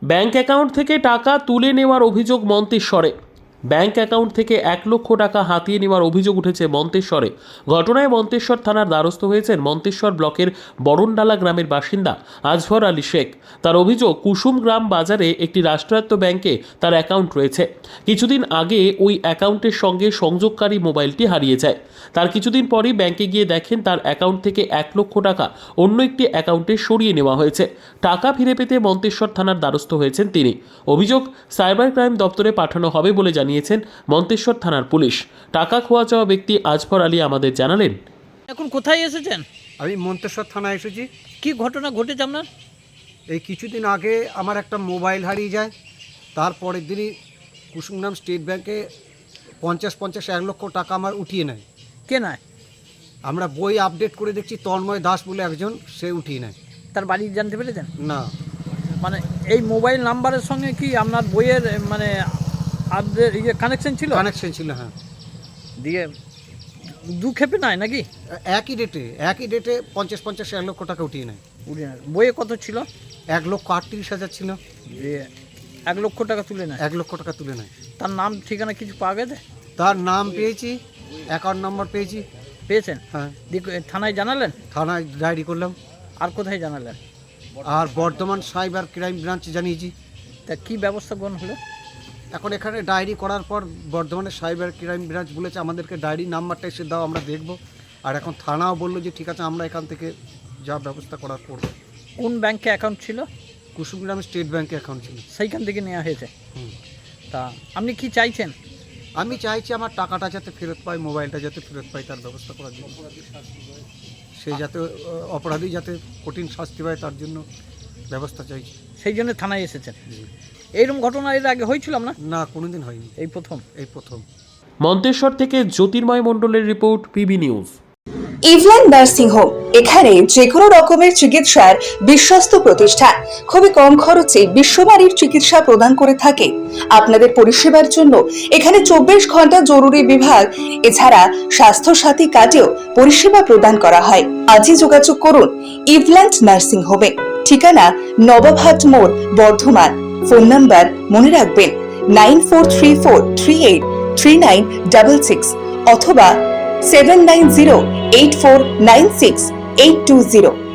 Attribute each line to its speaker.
Speaker 1: Bank account থেকে টাকা তুলে নেওয়ার অভিযোগ মন্তেশ্বরে। ব্যাংক অ্যাকাউন্ট থেকে 1 লক্ষ টাকা হাতিয়ে নেওয়ার অভিযোগ উঠেছে মন্তেশ্বরে। ঘটনায় মন্তেশ্বর থানার দ্বারস্থ হয়েছেন মন্তেশ্বর ব্লকের বরণডালা গ্রামের বাসিন্দা আজফর আলী শেখ। তার অভিযোগ, কুসুম গ্রাম বাজারে একটি রাষ্ট্রায়ত্ত ব্যাংকে তার অ্যাকাউন্ট রয়েছে। কিছুদিন আগে ওই অ্যাকাউন্টের সঙ্গে সংযোগকারী মোবাইলটি হারিয়ে যায়। তার কিছুদিন পরই ব্যাংকে গিয়ে দেখেন তার অ্যাকাউন্ট থেকে 1 লক্ষ টাকা অন্য একটি অ্যাকাউন্টে সরিয়ে নেওয়া হয়েছে। টাকা ফিরে পেতে মন্তেশ্বর থানার দ্বারস্থ হয়েছেন তিনি। অভিযোগ সাইবার ক্রাইম দপ্তরে পাঠানো হবে বলে জানিয়েছেন মন্তেশ্বর থানার পুলিশ। টাকা খোয়া যাওয়া ব্যক্তি আজফর আলী আমাদের জানালেন,
Speaker 2: এখন কোথায় এসেছেন?
Speaker 3: আমি মন্তেশ্বর থানায় এসেছি।
Speaker 2: কি ঘটনা ঘটেছে আপনার?
Speaker 3: এই কিছুদিন আগে আমার একটা মোবাইল হারিয়ে যায়। তারপরের দিনই কুসুমগ্রাম স্টেট ব্যাংকে 50-1 লক্ষ টাকা আমার উঠিয়ে নেয়।
Speaker 2: কে নয়?
Speaker 3: আমরা বই আপডেট করে দেখছি তন্ময় দাস বলে একজন, সে উঠিয়ে নেয়।
Speaker 2: তার বাড়ি জানতে পেরেছেন?
Speaker 3: না,
Speaker 2: মানে এই মোবাইল নাম্বারের সঙ্গে কি আপনার বইয়ের মানে আপডেট কানেকশন ছিল?
Speaker 3: কানেকশন ছিল, হ্যাঁ।
Speaker 2: দিয়ে দু খেপে নাই নাকি?
Speaker 3: একই ডেটে 50-1 লক্ষ টাকা উঠিয়ে নেয়।
Speaker 2: বইয়ে কত ছিল?
Speaker 3: 1,38,000 ছিল।
Speaker 2: দিয়ে 1 লক্ষ টাকা তুলে নেয়।
Speaker 3: 1 লক্ষ টাকা তুলে নেয়।
Speaker 2: তার নাম ঠিকানা কিছু পাওয়া গেছে?
Speaker 3: তার নাম পেয়েছি, অ্যাকাউন্ট নাম্বার পেয়েছি।
Speaker 2: পেয়েছেন?
Speaker 3: হ্যাঁ।
Speaker 2: দিয়ে থানায় জানালেন?
Speaker 3: থানায় ডায়েরি করলাম।
Speaker 2: আর কোথায় জানালেন?
Speaker 3: আর বর্ধমান সাইবার ক্রাইম ব্রাঞ্চে জানিয়েছি।
Speaker 2: তা কি ব্যবস্থা গ্রহণ হলো?
Speaker 3: এখন এখানে ডায়েরি করার পর বর্ধমানের সাইবার ক্রাইম ব্রাঞ্চ বলেছে আমাদেরকে ডায়েরি নাম্বারটা এসে দাও, আমরা দেখব। আর এখন থানাও বললো যে ঠিক আছে, আমরা এখান থেকে যা ব্যবস্থা করার করব।
Speaker 2: কোন ব্যাংকে অ্যাকাউন্ট ছিল?
Speaker 3: কুসুমগ্রাম স্টেট ব্যাংকে অ্যাকাউন্ট ছিল।
Speaker 2: সেইখান থেকে নেওয়া হয়েছে।
Speaker 3: হুম।
Speaker 2: তা আপনি কি চাইছেন?
Speaker 3: আমি চাইছি আমার টাকাটা যাতে ফেরত পাই, মোবাইলটা যাতে ফেরত পাই, তার ব্যবস্থা করার জন্য। সে যাতে অপরাধী যাতে কঠিন শাস্তি পায়, তার জন্য ব্যবস্থা চাইছি।
Speaker 2: সেই জন্য থানায় এসেছেন।
Speaker 3: জি।
Speaker 2: এইরকম ঘটনা এর আগে হয়েছিল না?
Speaker 3: না, কোনোদিন হয়নি,
Speaker 2: এই প্রথম।
Speaker 3: এই প্রথম।
Speaker 1: মন্তেশ্বর থেকে জ্যোতির্ময় মণ্ডলের report, PB news.
Speaker 4: Eveland nursing home, এখানে যে কোনো রকমের চিকিৎসার বিশ্বস্ত প্রতিষ্ঠান, খুবই কম খরচে বিশ্বমানের চিকিৎসা প্রদান করে থাকে। আপনাদের পরিষেবার জন্য এখানে 24 ঘন্টা জরুরি বিভাগ, এছাড়া স্বাস্থ্য সাথী কার্ডেও পরিষেবা প্রদান করা হয়। আজই যোগাযোগ করুন ইভল্যান্ড নার্সিং হোমে। ঠিকানা নবাবহাট মোড়, বর্ধমান। ফোন নাম্বার মনে রাখবেন 9434383966 অথবা 7908496820।